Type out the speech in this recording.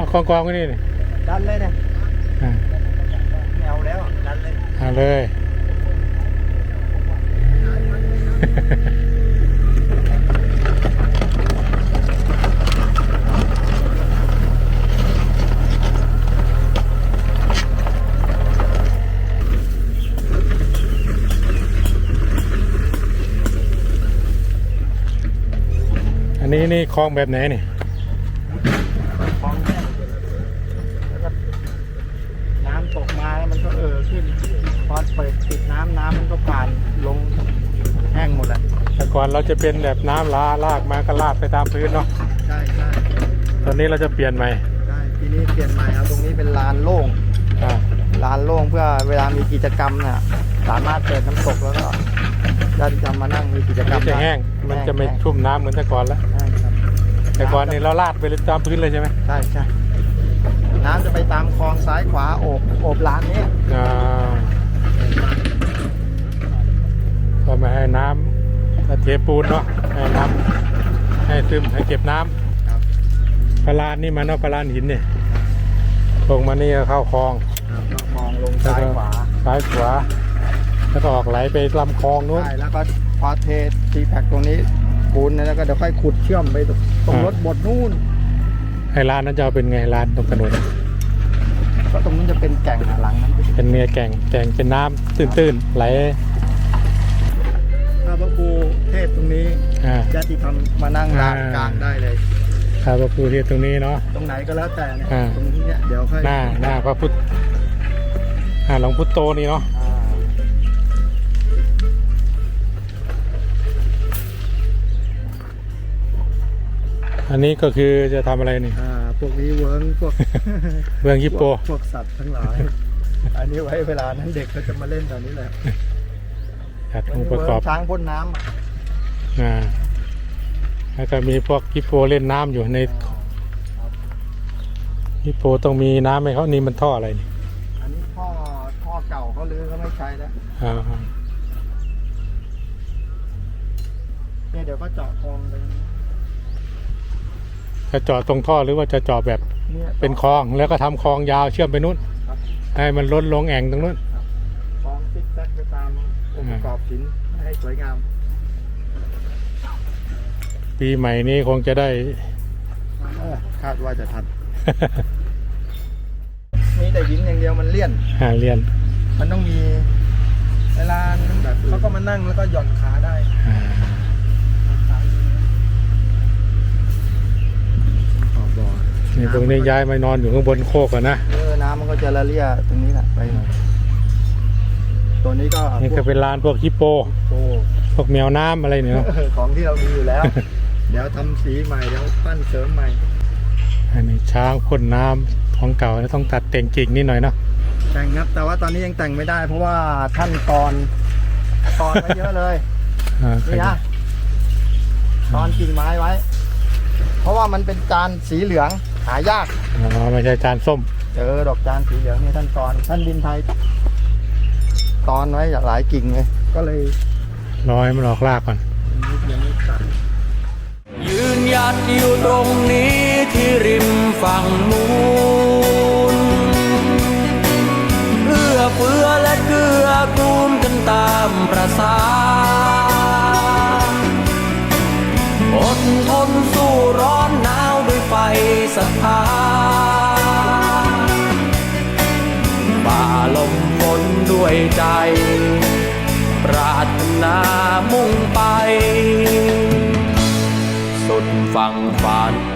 กองไว้นี่ดันเลยเนี่ยแนวแล้วดันเลยเลยอันนี้นี่คลองแบบไหนนี่คลองเนี่ยแล้วก็น้ำตกมาแล้วมันก็ขึ้นพอเปิดปิดน้ำมันก็ผ่านลงแห้งหมดแล้วแต่ก่อนเราจะเป็นแบบน้ำลากมาก็ลาดไปตามพื้นเนาะใช่ตอนนี้เราจะเปลี่ยนใหม่ใช่ทีนี้เปลี่ยนใหม่เอาตรงนี้เป็นลานโล่งลานโล่งเพื่อเวลามีกิจกรรมเนี่ยสามารถเปิดน้ำตกแล้วก็ญาติจะมานั่งมีกิจกรรมจะแห้งมันจะไม่ชุ่มน้ำเหมือนแต่ก่อนแล้วแต่ก่อนนี่เราลาดไปตามพื้นเลยใช่ไหมใช่น้ำจะไปตามคลองซ้ายขวาโอบลานนี้ก็ไม่ให้น้ำเทปูนเนาะให้น้ำให้ซึมให้เก็บน้ำพลานนี่มันเนาะพลานหินเนี่ยลงมานี่เข้าคลองลงซ้ายขวาแล้วก็ออกไหลไปลำคลองนู้นใช่แล้วก็พอเทตีแพ็กตรงนี้ปูนแล้วก็เดี๋ยวค่อยขุดเชื่อมไปตรงรถบดนู่นไอ้ร้านนั้นจะเป็นไงร้านตรงถนนก็ตรงนี้จะเป็นแก่งหลังนั้นเป็นเนื้อแก่งเป็นน้ำตื้นๆไหลข้าพระครูเทศตรงนี้ญาติธรรมมานั่งลานกลางได้เลยข้าพระครูเทศตรงนี้เนาะตรงไหนก็แล้วแต่เนี่ยตรงนี้เดี๋ยวค่อยหน้าพระพุทธหลวงพุทโตนี่เนาะอันนี้ก็คือจะทำอะไรนี่พวกนี้เวิร์งพวฮิปโปพวกสัตว์ทั้งหลายอันนี้ไว้เวลานั้นเด็กเขาจะมาเล่นตอนนี้แหละองค์ประกอบช้างพ่นน้ำแล้วก็มีพวกฮิปโปเล่นน้ำอยู่ในฮิปโปต้องมีน้ำไหมเขานี่มันท่ออะไรนี่อันนี้ท่อเก่าเขาลื้อเขาไม่ใช้แล้วเนี่ยเดี๋ยวก็เจาะคลองเลยจะเจาะตรงท่อหรือว่าจะเจาะแบบเป็นคลองแล้วก็ทำคลองยาวเชื่อมไปนู้นให้มันล้นลงแอ่งตรงนู้นคลองซิกแซกไปตามองค์ประกอบหินให้สวยงามปีใหม่นี้คงจะได้คาดว่าจะทันมีแต่หินอย่างเดียวมันเลี่ยนมันต้องมีเวลาแบบเขาก็มานั่งแล้วก็หย่อนขาได้นี่ตรงนี้ย้ายมานอนอยู่ข้างบนโคกนะน้ำมันก็จะละเลี่ยตรงนี้แหละไปหน่อยตัวนี้ก็นี่ก็เป็นลานพวกฮิปโปพวกแมวน้ำอะไรเนี่ยของที่เรามีอยู่แล้วเดี๋ยวทำสีใหม่เดี๋ยวปั้นเสริมใหม่อันนี้ช้างพ่นน้ำของเก่าต้องตัดแต่งกิ่งนิดหน่อยเนาะแต่งครับแต่ว่าตอนนี้ยังแต่งไม่ได้เพราะว่าท่านตอนไว้เยอะเลยนี่นะตอนกิ่งไม้ไว้เพราะว่ามันเป็นจานสีเหลืองหายากไม่ใช่จานส้มดอกจานสีเหลืองนี่ท่านดินไทยตอนไว้หลายกิ่งเลยก็เลยรอให้มันออกรากก่อนยืนหยัดอยู่ตรงนี้ที่ริมฝั่งนู้นเอื้อเฟื้อและเกื้อกูลกันตามประสาอดทนสู้ร้อนหนาวด้วยไฟศรัทธาฝ่าลมฝนด้วยใจปรารถนามุ่งไปสุดฝั่งฝัน